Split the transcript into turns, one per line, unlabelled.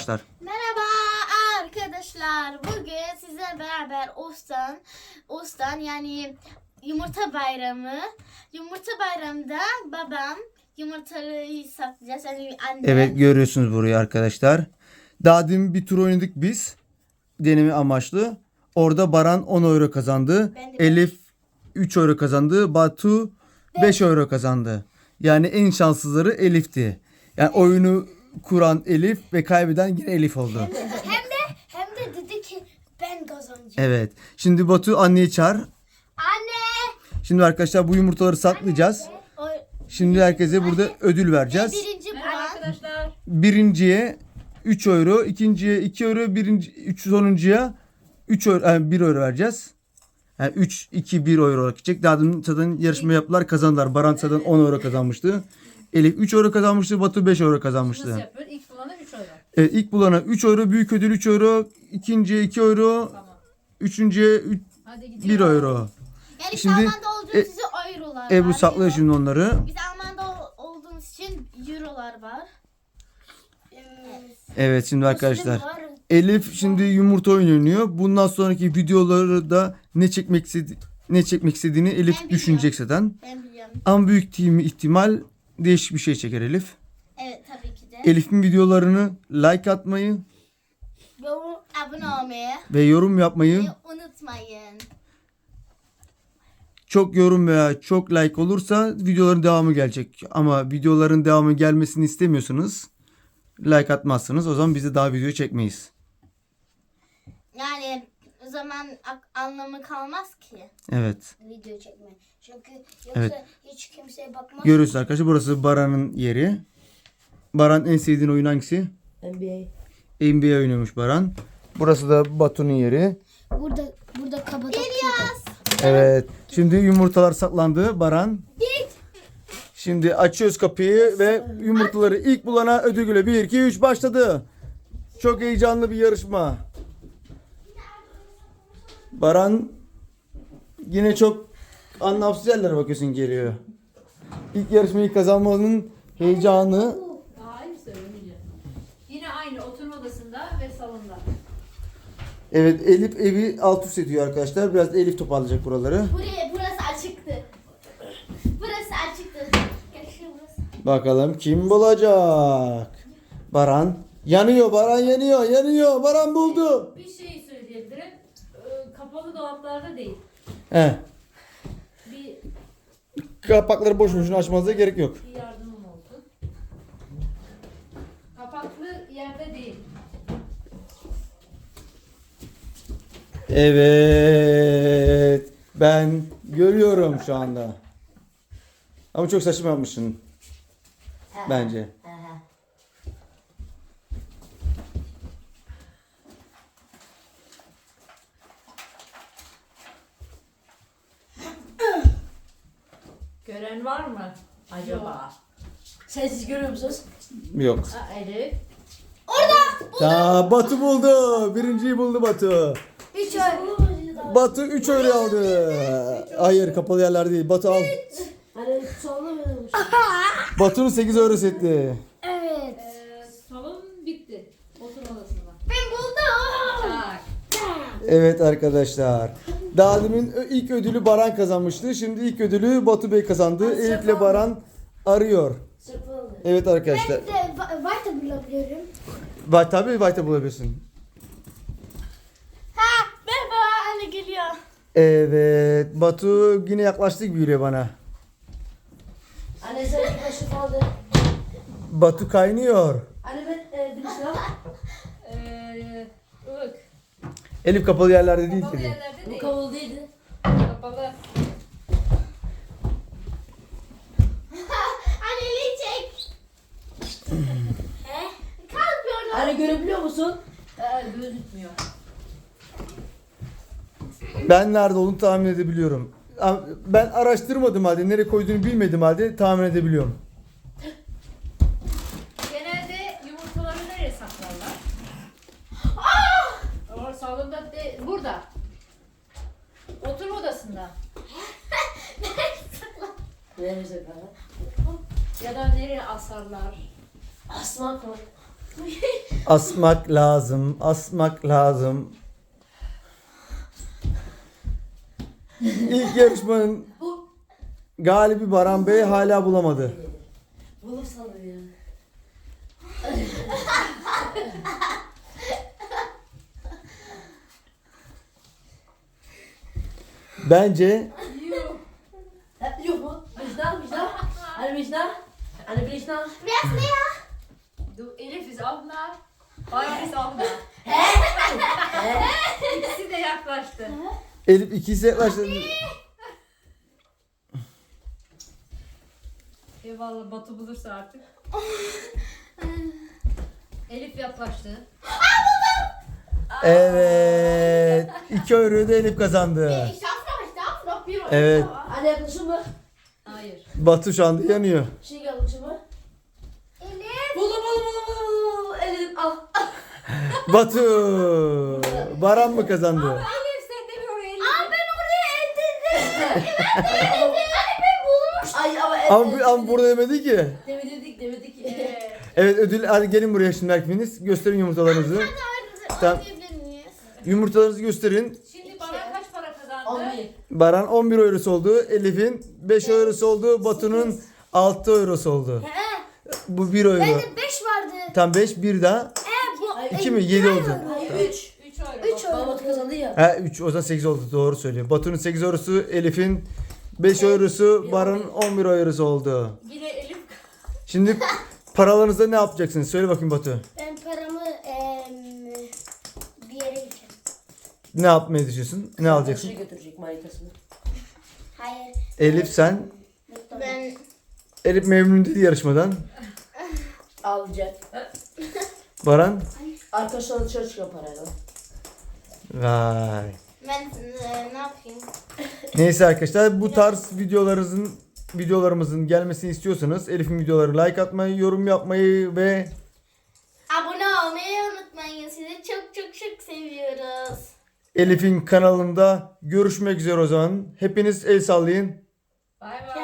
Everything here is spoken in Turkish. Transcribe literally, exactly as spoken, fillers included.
arkadaşlar.
Merhaba arkadaşlar. Bugün sizlerle beraber Ostan, Ostan yani yumurta bayramı. Yumurta bayramında babam yumurtaları satacağız. Yani annem.
Evet, görüyorsunuz burayı arkadaşlar. Daha demin bir tur oynadık biz. Deneme amaçlı. Orada Baran on euro kazandı.
Ben de
Elif üç euro kazandı. Batu beş euro kazandı. Yani en şanssızları Elif'ti. Yani oyunu kuran Elif ve kaybeden yine Elif oldu.
Hem de hem de dedi ki ben kazanacağım.
Evet. Şimdi Batu anneyi çağır.
Anne.
Şimdi arkadaşlar bu yumurtaları saklayacağız.
O,
Şimdi herkese burada ödül vereceğiz.
birinci
Merhaba
puan.
arkadaşlar.
Birinciye üç euro, ikinciye iki euro, birinci üç sonuncuya üç euro, yani bir euro vereceğiz. Yani üç iki bir euro olarak gidecek. Daha dün zaten yarışma yaptılar, kazandılar. Baran zaten on euro kazanmıştı. Elif üç euro kazanmıştı, Batu beş euro
Nasıl
kazanmıştı.
yapıyor? İlk bulana üç euro.
Evet, ilk bulana üç euro, büyük ödül üç euro, ikinciye iki euro,
Tamam.
üçüncüye üç,
Hadi gidelim.
bir euro.
Yani
Şimdi,
Alman'da olduğunuz
e,
size eurolar
Ebru
var.
saklıyor şimdi onları.
Biz Alman'da ol- olduğumuz için eurolar var. Evet.
Evet şimdi arkadaşlar. Elif şimdi yumurta oyunu oynuyor. Bundan sonraki videoları da ne çekmek istedi ne çekmek istediğini Elif
biliyorum.
düşünecek zaten.
Ben biliyorum.
Ama büyük ihtimal değişik bir şey çeker Elif.
Evet tabii ki de.
Elif'in videolarını like atmayı
Yorum, abone olmayı
ve yorum yapmayı,
unutmayın.
çok yorum veya çok like olursa videoların devamı gelecek. Ama videoların devamı gelmesini istemiyorsanız like atmazsınız. O zaman biz de daha video çekmeyiz.
Yani o zaman ak- anlamı kalmaz ki
Evet.
video çekme. Çünkü yoksa
Evet.
hiç kimseye bakmaz.
Görüyorsunuz arkadaşlar, burası Baran'ın yeri. Baran en sevdiğin oyun hangisi?
N B A.
N B A oynuyormuş Baran. Burası da Batu'nun yeri.
Burada burada kabada İlyas.
Evet. Şimdi yumurtalar saklandı Baran. Şimdi açıyoruz kapıyı ve yumurtaları ilk bulana ödül geliyor. bir iki üç başladı. Çok heyecanlı bir yarışma. Baran yine çok anlamsız yerlere bakıyorsun, geliyor. İlk yarışmayı kazanmanın heyecanı.
Hayır söylemeyeceğim. Yine aynı oturma odasında ve salonda.
Evet, Elif evi alt üst ediyor arkadaşlar. Biraz da Elif toparlayacak buraları.
Buraya burası açıktı. Burası açıktı. Gel burası.
Bakalım kim bulacak? Baran yanıyor, Baran yanıyor, yanıyor. Baran buldu.
Bir şey söyleyebilirim. Ee, Kapalı dolaplarda değil.
He.
Bir,
Kapakları boş boşuna açmanıza gerek yok.
bir yardımım olsun. Kapaklı yerde değil.
Evet. Ben görüyorum şu anda. Ama çok saçma yapmışsın. Bence.
Gören var mı? Acaba?
Sensiz görüyor musunuz?
Yok.
Ha, Elif.
Ta Batu buldu. Birinciyi buldu Batu.
Hiç öyle.
Batu üç euro aldı. Hayır, kapalı yerler değil. Batu al.
Hani solda mı demiş?
Batu'nun sekiz euro etti.
Evet.
Ee, salon bitti. Oturma odasında.
Ben buldum.
Tak.
Evet arkadaşlar. Daha demin ilk ödülü Baran kazanmıştı. Şimdi ilk ödülü Batu Bey kazandı. Elif ile Baran arıyor.
Sırpı aldı.
Evet arkadaşlar.
Ben de White'ı bulabiliyorum.
Var tabii, Vayta bulabilirsin.
Ha, merhaba anne geliyor.
Evet. Batu yine yaklaştı gibi geliyor bana.
Anne sen bir kaşık aldı.
Batu kaynıyor.
Anne ben e, bir şey al.
Ee, ılık.
Elif kapalı yerlerde değil
Kapalı
dedi.
yerlerde
Bu
değil.
kapalı değildi.
Kapalı.
Anneliği çek. He? Kalkıyor lan.
Anne görebiliyor musun?
Ee, gözükmüyor.
Ben nerede olduğunu tahmin edebiliyorum. Ama ben araştırmadım halde, nereye koyduğunu bilmedim halde tahmin edebiliyorum.
Genelde yumurtaları nereye saklarlar? O salonda de, burada. Oturma odasında.
Neresi kadar?
Ya da nereye asarlar?
Asmak mı?
Asmak lazım. Asmak lazım. İlk yarışmanın
Bu
galibi Baran Bey hala bulamadı.
bulur sanırım ya.
Bence
Yuh.
Ha, yok mu? Vicdan, vicdan. Hani vicdan? Hani vicdan?
Biraz ne ya?
Du Elif abla. Paris abla. İkisi de yaklaştı.
Elif ikisi yaklaştı.
Eyvallah Batu bulursa artık. Elif yaklaştı.
Evet. iki euroyu da Elif kazandı.
Ich darf noch, ich darf noch bir Euro.
Evet.
Hani yaklaşır mı?
Hayır.
Batu şu anda yanıyor.
Şey yaklaşır mı?
Elif.
Buldum, buldum, buldum, buldum. Elif al.
Batu. Baran mı kazandı?
Elif sen de bir oraya Elif.
Aa ben oraya eldedim. Hani ben bulmuş.
Ay ama
Ama, ama burada demedi ki.
Demedik, demedik.
Evet.
Evet ödül. Hadi gelin buraya şimdi hepiniz. Gösterin yumurtalarınızı. Tamam.
Oynayabilir miyiz?
Yumurtalarınızı gösterin.
Şimdi bana kaç para kazandı?
on bir.
Baran on bir eurosu oldu. Elif'in beş eurosu oldu. Batu'nun altı eurosu oldu.
He.
Bu bir euro.
Bende beş vardı.
Tam beş bir daha.
He bu.
Ay,
iki mi? yedi oldu.
Ay üç.
üç euro.
Üç
Baba
euro.
Batu kazandı ya.
Ha üç o zaman sekiz oldu. Doğru söylüyor. Batu'nun sekiz eurosu, Elif'in beş eurosu, Baran'ın on bir eurosu oldu.
Yine Elif.
Şimdi paralarınızda ne yapacaksınız? Söyle bakayım Batu.
Ben paramı em, bir yere gideceğim.
Ne yapmayı düşünüyorsun? Ne alacaksın?
Şey götürecek manitasını.
Hayır.
Elif sen.
Ben
Elif memnun değil yarışmadan.
Alacak.
Baran.
Arkadaşlarla dışarı çıkan parayla.
Vay.
ben e, ne yapayım?
Neyse arkadaşlar bu tarz videolarımızın videolarımızın gelmesini istiyorsanız Elif'in videoları like atmayı, yorum yapmayı ve
Abone olmayı unutmayın. Sizi çok çok çok seviyoruz.
Elif'in kanalında görüşmek üzere o zaman. Hepiniz el sallayın.
Bay bay.